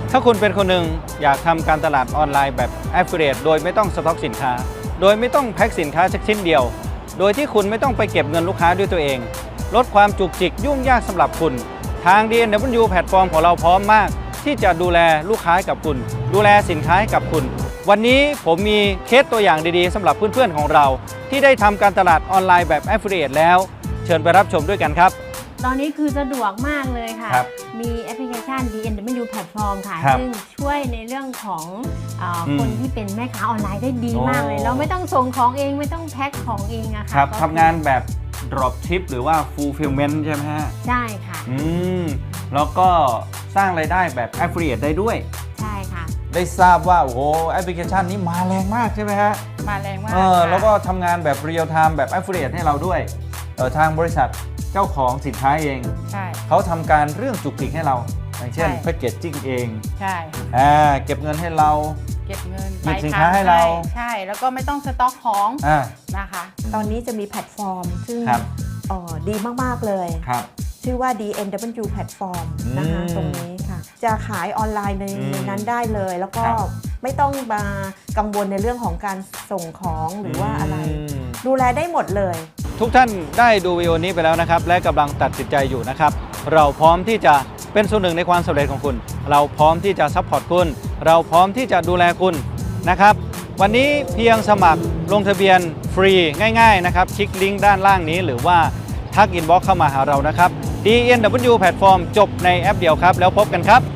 ถ้าคุณเป็นคนหนึ่งอยากทำการตลาดออนไลน์แบบ Affiliate โดยไม่ต้องสต็อกสินค้าโดยไม่ต้องแพ็คสินค้าสักชิ้นเดียวโดยที่คุณไม่ต้องไปเก็บเงินลูกค้าด้วยตัวเองลดความจุกจิกยุ่งยากสำหรับคุณทาง DNW แพลตฟอร์มของเราพร้อมมากที่จะดูแลลูกค้ากับคุณดูแลสินค้ากับคุณวันนี้ผมมีเคสตัวอย่างดีๆสำหรับเพื่อนๆของเราที่ได้ทำการตลาดออนไลน์แบบ Affiliate แล้วเชิญไปรับชมด้วยกันครับตอนนี้คือสะดวกมากเลยค่ะมีแอปพลิเคชัน DNW แพลตฟอร์มค่ะซึ่งช่วยในเรื่องของคนที่เป็นแม่ค้าออนไลน์ได้ดีมากเลยเราไม่ต้องส่งของเองไม่ต้องแพ็คของเองอะค่ะทำงานแบบ drop ship หรือว่า fulfillment ใช่ไหมฮะใช่ค่ะแล้วก็สร้างรายได้แบบ affiliate ได้ด้วยใช่ค่ะได้ทราบว่าโอ้โหแอปพลิเคชันนี้มาแรงมากใช่ไหมฮะมาแรงมากแล้วก็ทำงานแบบ real time แบบ affiliate ให้เราด้วยทางบริษัทเจ้าของสินค้าเองใช่เขาทำการเรื่องจุกจิกให้เราอย่างเช่นแพ็กเกจจิ้งเองใช่เก็บเงินให้เราเก็บเงินหยิบสินค้าให้เราใช่แล้วก็ไม่ต้องสต็อกของนะคะตอนนี้จะมีแพลตฟอร์มซึ่งดีมากๆเลยชื่อว่า DNW แพลตฟอร์มนะคะตรงนี้ค่ะจะขายออนไลน์ในนั้นได้เลยแล้วก็ไม่ต้องมากังวลในเรื่องของการส่งของหรือว่าอะไรดูแลได้หมดเลยทุกท่านได้ดูวิดีโอนี้ไปแล้วนะครับและกำลังตัดสินใจอยู่นะครับเราพร้อมที่จะเป็นส่วนหนึ่งในความสำเร็จของคุณเราพร้อมที่จะซัพพอร์ตคุณเราพร้อมที่จะดูแลคุณนะครับวันนี้เพียงสมัครลงทะเบียนฟรีง่ายๆนะครับคลิกลิงก์ด้านล่างนี้หรือว่าทักอินบ็อกซ์เข้ามาหาเรานะครับ DNW แพลตฟอร์มจบในแอปเดียวครับแล้วพบกันครับ